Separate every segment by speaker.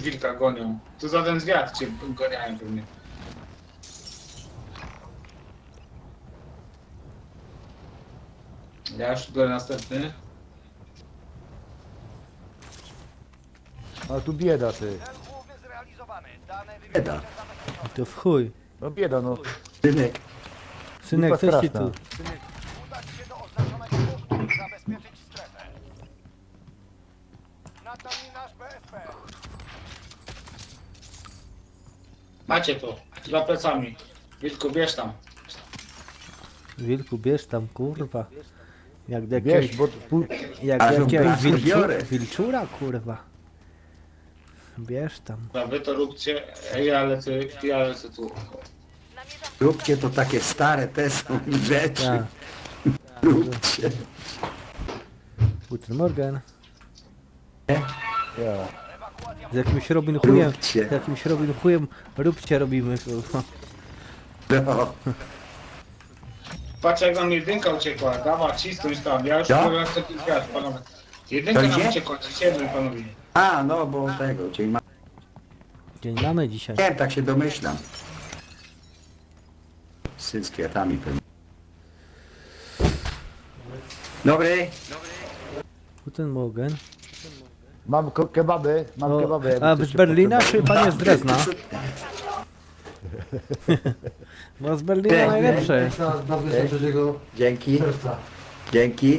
Speaker 1: wilka gonią. Tu za ten zwiat cię goniają pewnie. Ja już biorę następny.
Speaker 2: A tu bieda ty.
Speaker 3: Bieda.
Speaker 4: To w chuj.
Speaker 2: No bieda no.
Speaker 3: Synek.
Speaker 4: Synek,
Speaker 2: Lipa
Speaker 4: coś ci
Speaker 2: straszna.
Speaker 4: tu.
Speaker 5: Udać się do oznaczonego punktu, zabezpieczyć strefę. Nad nami nasz BSP.
Speaker 1: Macie to. Za plecami. Wilku, bierz tam.
Speaker 4: Wilku, bierz tam, kurwa. Jak
Speaker 2: Wiesz,
Speaker 4: jakiegoś,
Speaker 2: bo
Speaker 4: jak
Speaker 3: Ale
Speaker 4: jakiegoś
Speaker 3: to biorę.
Speaker 4: wilczura, kurwa. Bierz tam.
Speaker 1: Dobra, wy to róbcie. Ja lecę tu.
Speaker 3: Róbcie to takie stare te są rzeczy.
Speaker 4: Tak.
Speaker 3: Róbcie.
Speaker 4: Guten Morgen.
Speaker 2: ja.
Speaker 4: Z jakimś Robin Chujem,
Speaker 3: Róbcie.
Speaker 4: z jakimś Robin Chujem róbcie robimy, kurwa.
Speaker 3: No.
Speaker 1: Patrz jak nam jedynka uciekła. Dawa, cisnąć tam. Ja już
Speaker 3: Ja?
Speaker 1: biorę następny zwiat, panowie. Jedynka
Speaker 3: To
Speaker 1: nam
Speaker 3: gdzie?
Speaker 1: uciekła. Ciemny, panowie.
Speaker 3: A, no bo tego, dzień ma...
Speaker 4: Dzień mamy dzisiaj.
Speaker 3: Nie, tak się domyślam. Syn z kwiatami pewnie. Dobry.
Speaker 4: Guten Morgen.
Speaker 2: Mam kebaby, mam
Speaker 4: O,
Speaker 2: kebaby. jakby
Speaker 4: a
Speaker 2: ktoś
Speaker 4: z
Speaker 2: się
Speaker 4: Berlina
Speaker 2: potrzebował.
Speaker 4: czy pan jest z Drezna? Bo z Berlina
Speaker 3: Nie,
Speaker 4: najlepsze.
Speaker 3: Dzięki. Dzięki.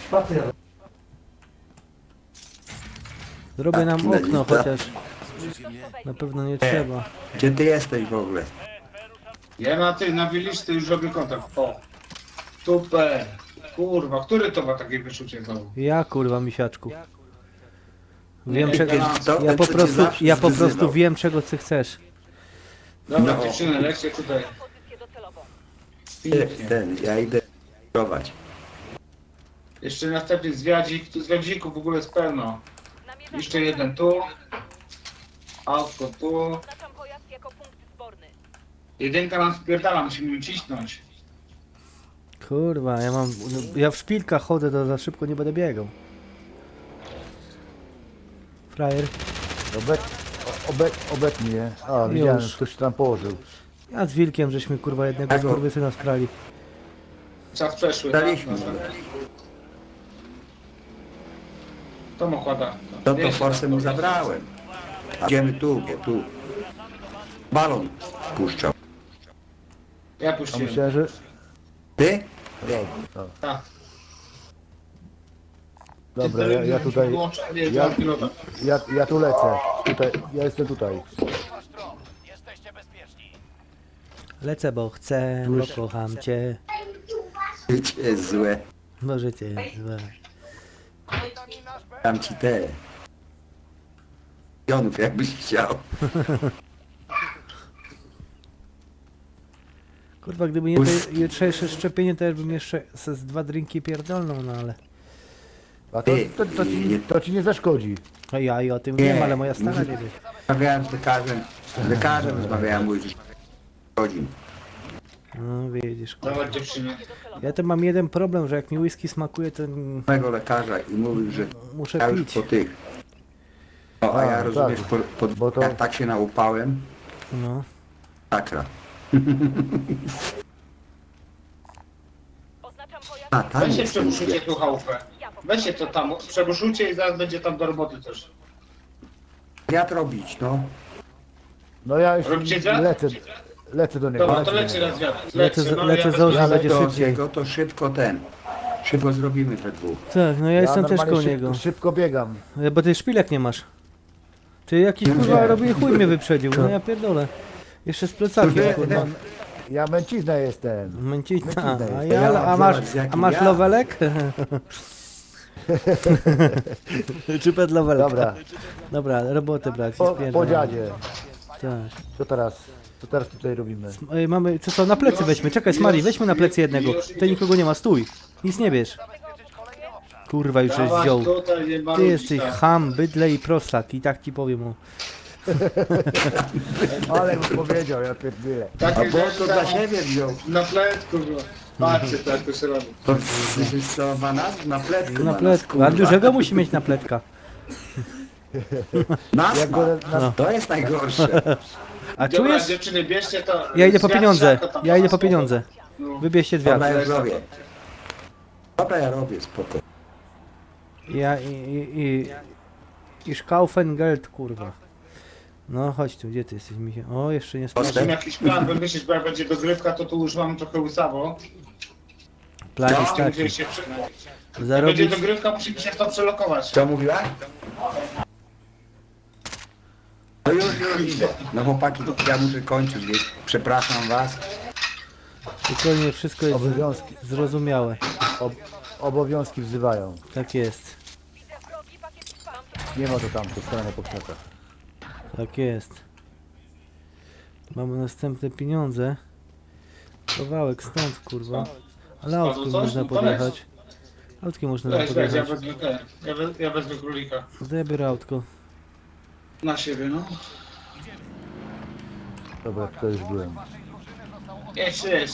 Speaker 4: Zrobię nam
Speaker 3: Tak,
Speaker 4: okno
Speaker 3: tak.
Speaker 4: chociaż. Na pewno nie trzeba.
Speaker 3: Gdzie ty jesteś w ogóle?
Speaker 1: Ja na Wieliczce już robię kontakt. O. Super. Kurwa, który to ma takie wyczucie znowu?
Speaker 4: Ja kurwa misiaczku. Wiem
Speaker 1: Nie,
Speaker 4: czego.
Speaker 3: To
Speaker 4: Ja
Speaker 3: ten,
Speaker 4: po
Speaker 3: co cię
Speaker 4: prostu,
Speaker 3: zawsze
Speaker 4: ja po prostu
Speaker 3: zwyzywał.
Speaker 4: wiem czego ty chcesz.
Speaker 1: Dobra,
Speaker 3: No.
Speaker 1: dziewczyny, lekcje tutaj. Pięknie.
Speaker 3: Ja idę prowadź.
Speaker 1: Jeszcze następny zwiadzik. Tu zwiadzików w ogóle jest pełno. Jeszcze jeden tu. Autko tu.
Speaker 6: Oznaczam pojazd jako punkt zborny.
Speaker 1: Jedynka nam spierdala, musimy ją cisnąć.
Speaker 4: Kurwa, ja w szpilkach chodzę, to za szybko nie będę biegał. Frajer.
Speaker 2: Obetnij je. A, widziałem, ktoś się tam położył.
Speaker 4: Ja z Wilkiem żeśmy kurwa jednego
Speaker 3: Jako-
Speaker 4: skurwysyna sprali.
Speaker 1: Czas przeszły.
Speaker 3: Daliśmy.
Speaker 1: To mu kłada.
Speaker 3: To forsę mu zabrałem. Idziemy tu. Balon puszczał.
Speaker 1: Ja
Speaker 2: A
Speaker 1: puściłem.
Speaker 2: myślałem, że...
Speaker 3: Ty?
Speaker 1: Tak.
Speaker 2: Dobra, ja tutaj... Ja tu lecę. Tutaj, ja jestem tutaj.
Speaker 5: Wasz tron. Jesteście bezpieczni.
Speaker 4: Lecę, bo chcę, bo kocham cię.
Speaker 3: Życie jest złe.
Speaker 4: Możecie, złe.
Speaker 5: Nad nami nasz BSP.
Speaker 3: Dam ci te. Jonów jakbyś chciał.
Speaker 4: Kurwa, gdyby nie to jutrzejsze szczepienie, to ja bym jeszcze z 2 drinki pierdolną, no ale...
Speaker 2: A to ci nie zaszkodzi.
Speaker 4: No ja i o tym
Speaker 3: Nie.
Speaker 4: wiem, ale moja stara nie wie.
Speaker 3: Rozmawiałem z lekarzem rozmawiałem, mówi, że godzin.
Speaker 4: No widzisz, kurwa.
Speaker 1: Dawać dziewczyny.
Speaker 4: Ja to mam jeden problem, że jak mi whisky smakuje, to
Speaker 3: Mego lekarza i mówił, że
Speaker 4: muszę
Speaker 3: ja już
Speaker 4: pić.
Speaker 3: po tych. No, a ja
Speaker 2: tak.
Speaker 3: rozumiesz,
Speaker 2: Bo to-
Speaker 3: jak tak się naupałem,
Speaker 4: No.
Speaker 3: sakra.
Speaker 6: Oznaczam pojazd
Speaker 3: A, tam
Speaker 1: Weźcie
Speaker 3: jest
Speaker 1: przebuszujcie tu chałupę. Weźcie to tam, przebuszujcie i zaraz będzie tam do roboty też.
Speaker 3: wiatr robić, no.
Speaker 2: No ja już
Speaker 1: Robicie dziad?
Speaker 2: lecę do niego.
Speaker 1: Dobra, to leci raz wiatr.
Speaker 4: Lecę
Speaker 1: ja
Speaker 4: z Ozi,
Speaker 1: wezmę-
Speaker 4: będzie
Speaker 3: To
Speaker 4: szybciej.
Speaker 3: jego to szybko szybko zrobimy te dwóch.
Speaker 4: Tak, no ja jestem też
Speaker 2: normalnie
Speaker 4: koło niego.
Speaker 2: Szybko biegam.
Speaker 4: Bo ty szpilek nie masz. Ty jakiś kurwa robi chuj mnie wyprzedził, no ja pierdolę. Jeszcze z plecakiem, kurwa.
Speaker 2: Ja męcizna jestem.
Speaker 4: Męcina.
Speaker 2: Męcina
Speaker 4: A masz
Speaker 3: ja.
Speaker 4: lowelek? Czy pedlowelek?
Speaker 2: Dobra,
Speaker 4: Dobra, robotę brać.
Speaker 2: po dziadzie.
Speaker 4: Tak.
Speaker 2: Co teraz tutaj robimy?
Speaker 4: Ej, mamy, co na plecy weźmy, czekaj Smari, weźmy na plecy jednego. Tutaj nikogo nie ma, stój. Nic nie bierz. Kurwa, już żeś
Speaker 1: Dawać
Speaker 4: wziął.
Speaker 1: tutaj, nie
Speaker 4: Ty
Speaker 1: marudzić,
Speaker 4: jesteś
Speaker 1: tak.
Speaker 4: ham, bydle i prostak i tak ci powiem o.
Speaker 2: Ale bym powiedział, ja pierdolę.
Speaker 3: A
Speaker 1: Takie
Speaker 3: bo
Speaker 1: rzeczy
Speaker 3: to dla
Speaker 1: tam
Speaker 3: siebie wziął.
Speaker 1: na pletku go. Patrzcie, tak to się robi.
Speaker 3: To jest co, na pletku.
Speaker 4: Na
Speaker 3: ma nas,
Speaker 4: pletku, a
Speaker 3: kurwa.
Speaker 4: dużego musi mieć na pletka.
Speaker 3: Nas
Speaker 2: Jak
Speaker 3: ma.
Speaker 2: go na...
Speaker 3: To jest najgorsze.
Speaker 4: A
Speaker 1: Dobra,
Speaker 4: czujesz?
Speaker 1: dziewczyny, bierzcie to.
Speaker 4: Ja idę po
Speaker 1: zwiat
Speaker 4: pieniądze.
Speaker 1: siarka tam
Speaker 4: Ja idę
Speaker 1: na
Speaker 4: po
Speaker 1: spoko.
Speaker 4: pieniądze.
Speaker 1: No.
Speaker 4: Wybierzcie
Speaker 3: Dobra,
Speaker 4: dwie.
Speaker 3: ja zrobię. Dobra, ja robię, spoko.
Speaker 4: Ja i Schaufengeld, kurwa. No chodź tu, gdzie ty jesteś, Michał? O, jeszcze nie
Speaker 1: Musimy
Speaker 4: sprawdzę.
Speaker 1: jakiś plan wymyślić, bo jak będzie dogrywka, to tu już mam trochę łysawo.
Speaker 4: Plan jest
Speaker 1: Musimy
Speaker 4: taki.
Speaker 1: gdzieś się jak będzie
Speaker 4: Zarobić...
Speaker 1: dogrywka, musimy się w to przelokować.
Speaker 3: Co mówiła? No już idę. No chłopaki, ja muszę kończyć, więc przepraszam was.
Speaker 4: Spokojnie, wszystko jest
Speaker 2: Obowiązki,
Speaker 4: zrozumiałe.
Speaker 2: obowiązki wzywają.
Speaker 4: Tak jest.
Speaker 6: Widzę wrogi pakiet spam.
Speaker 2: Nie ma to tam, to stronę po krzakach.
Speaker 4: Tak jest. Mamy następne pieniądze. Kawałek stąd, kurwa. Ale autkiem
Speaker 1: coś?
Speaker 4: można
Speaker 1: No to
Speaker 4: podjechać. Autkiem można tam
Speaker 1: Weź, ja
Speaker 4: podjechać.
Speaker 1: wezmę ten. Ja wezmę królika.
Speaker 4: No to ja biorę autko.
Speaker 1: Na siebie, no.
Speaker 2: Dobra, to już byłem.
Speaker 1: Jeszcze.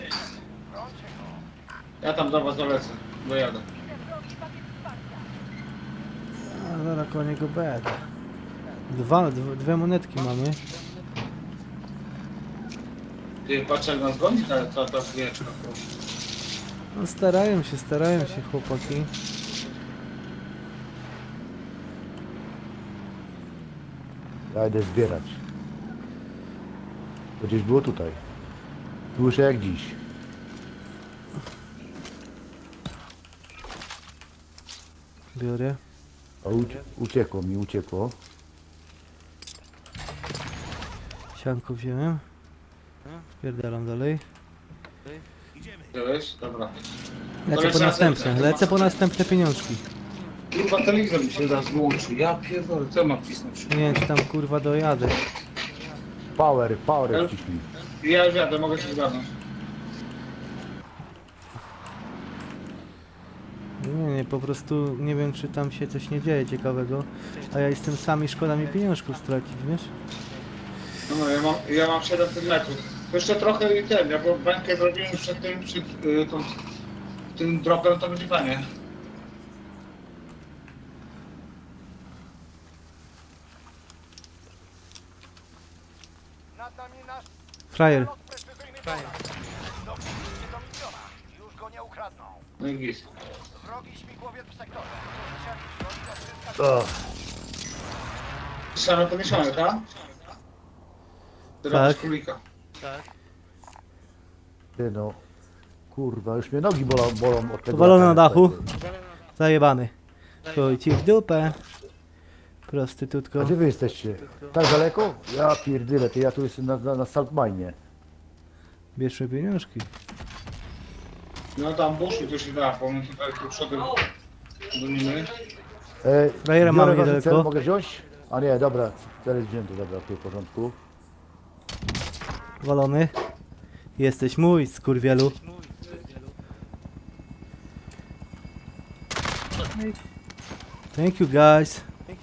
Speaker 1: Ja tam do was dolecę. Dojadę.
Speaker 4: A zaraz koło niego będę. Dwie monetki mamy.
Speaker 1: Ty, patrz jak nas goni ta zwieczka.
Speaker 4: No starają się chłopaki.
Speaker 2: Ja idę zbierać. To gdzieś było tutaj. Słyszę jak dziś.
Speaker 4: Biorę.
Speaker 2: O, uciekło.
Speaker 4: Sianko wziąłem. Spierdalam dalej.
Speaker 1: Wiesz? Dobra.
Speaker 4: Lecę po następne pieniążki.
Speaker 1: Kurwa, telewizor mi się zaraz wyłączył. Ja pierdolę, co mam wcisnąć?
Speaker 4: Nie wiem czy tam kurwa dojadę.
Speaker 2: Power wciśnij.
Speaker 1: Ja już jadę, mogę się zgadnąć.
Speaker 4: Nie, po prostu nie wiem czy tam się coś nie dzieje ciekawego. A ja jestem sam i szkoda mi pieniążków stracić, wiesz?
Speaker 1: No, ja mam 700 metrów. To jeszcze trochę i ten, ja bo bańkę zrobiłem przed tym dropem, to będzie fajnie.
Speaker 5: Nad nami nasz
Speaker 4: Frajer.
Speaker 5: lot precyzyjny dobiliście do miliona. Już go nie ukradną.
Speaker 1: No i git.
Speaker 5: Wrogi śmigłowiec w sektorze. Musieli wrogi odzyskać.
Speaker 2: O,
Speaker 1: Trzeba pomieszane, tak? Teraz
Speaker 4: Tak.
Speaker 1: królika.
Speaker 2: ty no. Kurwa, już mnie nogi bolą od tego.
Speaker 4: Powalony na
Speaker 2: latania.
Speaker 4: dachu. Zajebany. Chuj ci w dupę.
Speaker 2: A
Speaker 4: Prostytutko.
Speaker 2: gdzie wy jesteście? Tak daleko? Ja pierdyle, ty ja tu jestem na Saltmine.
Speaker 4: Bierzmy pieniążki.
Speaker 1: No tam buszu to się da, bo my tutaj tu przodem gonimy.
Speaker 4: Frajera
Speaker 2: biorę
Speaker 4: mamy
Speaker 2: waży
Speaker 4: niedaleko.
Speaker 2: cel, mogę wziąć? A nie, dobra, cel jest wzięty, dobra, tu w porządku.
Speaker 4: Walony. Jesteś mój, skurwielu. Thank you guys.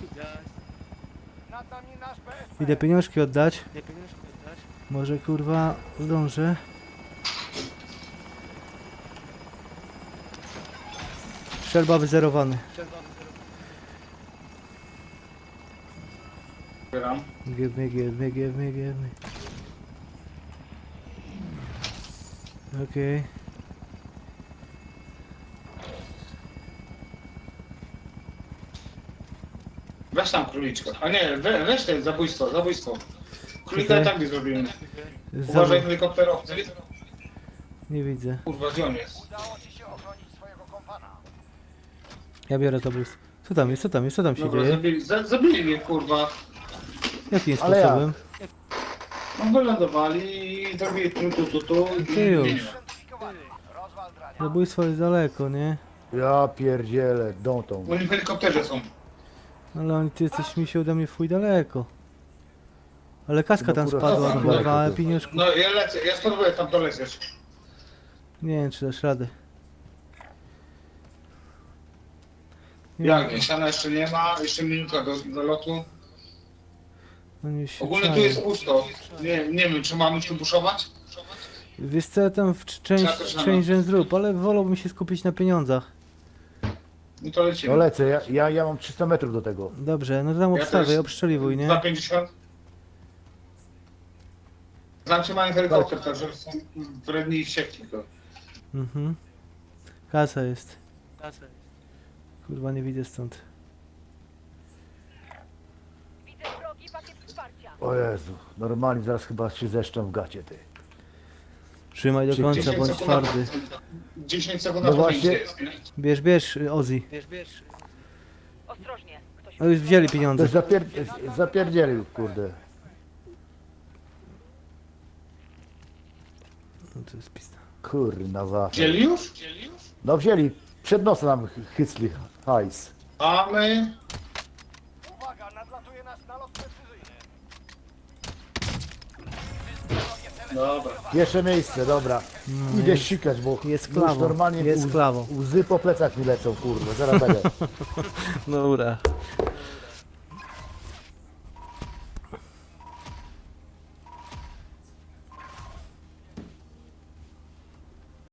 Speaker 5: Nad nami nasz BSP.
Speaker 4: Idę pieniążki oddać. Może kurwa zdążę. Strzelba wyzerowany.
Speaker 1: Zbieram.
Speaker 4: Give me. Okej.
Speaker 1: Weź tam króliczka. A nie, weź ten, zabójstwo. Królika i tak nie zrobimy. Uważaj helikopterowcy.
Speaker 4: Nie widzę.
Speaker 1: Kurwa, gdzie on jest?
Speaker 5: Udało ci się ochronić swojego kompana.
Speaker 4: Ja biorę zabójstwo. Co tam się
Speaker 1: Dobra,
Speaker 4: dzieje?
Speaker 1: zabili mnie, kurwa.
Speaker 4: Jakim
Speaker 2: Ale jak?
Speaker 4: sposobem?
Speaker 1: No wylądowali i zrobili tu.
Speaker 4: Ty już.
Speaker 5: Identyfikowany. Rozwal drania.
Speaker 4: Zabójstwo jest daleko, nie?
Speaker 2: Ja pierdzielę, tą.
Speaker 1: Oni w helikopterze są.
Speaker 4: Ale ty jesteś mi się ode mnie w chuj daleko. Ale kaska
Speaker 2: No
Speaker 4: tam
Speaker 2: kurwa,
Speaker 4: spadła,
Speaker 2: tam
Speaker 4: kurwa,
Speaker 2: daleko
Speaker 4: ale
Speaker 2: to.
Speaker 4: pieniążków.
Speaker 1: No ja lecę, ja spróbuję tam dolecieć.
Speaker 4: Nie wiem czy dasz radę. Nie
Speaker 1: Jak nie, siana jeszcze nie ma, jeszcze minuta do lotu.
Speaker 4: Oni się
Speaker 1: Ogólnie tu
Speaker 4: czają.
Speaker 1: jest pusto. Nie wiem, czy mamy tu buszować?
Speaker 4: Wiesz co, tam w
Speaker 1: Trzeba też
Speaker 4: część zrób, ale wolałbym się skupić na pieniądzach.
Speaker 1: No to
Speaker 2: No
Speaker 1: lecimy.
Speaker 2: lecę, ja mam 300 metrów do tego.
Speaker 4: Dobrze, no to tam obstawiaj,
Speaker 1: też.
Speaker 4: obszczeliwuj, nie?
Speaker 1: 250. Znaczy mają helikopter, także są wredni i wściekli go.
Speaker 4: Mhm. Kasa jest. Kurwa, nie widzę stąd.
Speaker 6: Widzę wrogi pakiet wsparcia.
Speaker 2: O Jezu, normalnie zaraz chyba się zeszczą w gacie, ty.
Speaker 4: Trzymaj do końca,
Speaker 1: 10
Speaker 4: bądź
Speaker 1: sekund
Speaker 4: twardy.
Speaker 1: 10 sekund
Speaker 2: No
Speaker 1: na to
Speaker 2: właśnie.
Speaker 1: jest, nie?
Speaker 4: Bierz, Ozzy.
Speaker 6: Ostrożnie. Ktoś
Speaker 4: No już wzięli
Speaker 2: To
Speaker 4: pieniądze.
Speaker 2: zapierdzielił, kurde.
Speaker 4: No to jest pista.
Speaker 2: Kurna za.
Speaker 1: Wzięli już?
Speaker 2: No wzięli, przed nosem nam hycli hajs.
Speaker 1: A my...
Speaker 5: Uwaga, nadlatuje nas nalot precyzyjny.
Speaker 1: Dobra.
Speaker 2: Pierwsze miejsce, dobra. Idę ścikać, bo
Speaker 4: Jest
Speaker 2: już
Speaker 4: klawo,
Speaker 2: normalnie
Speaker 4: jest klawo.
Speaker 2: łzy po plecach mi lecą, kurwa, zaraz będę.
Speaker 4: Dobra.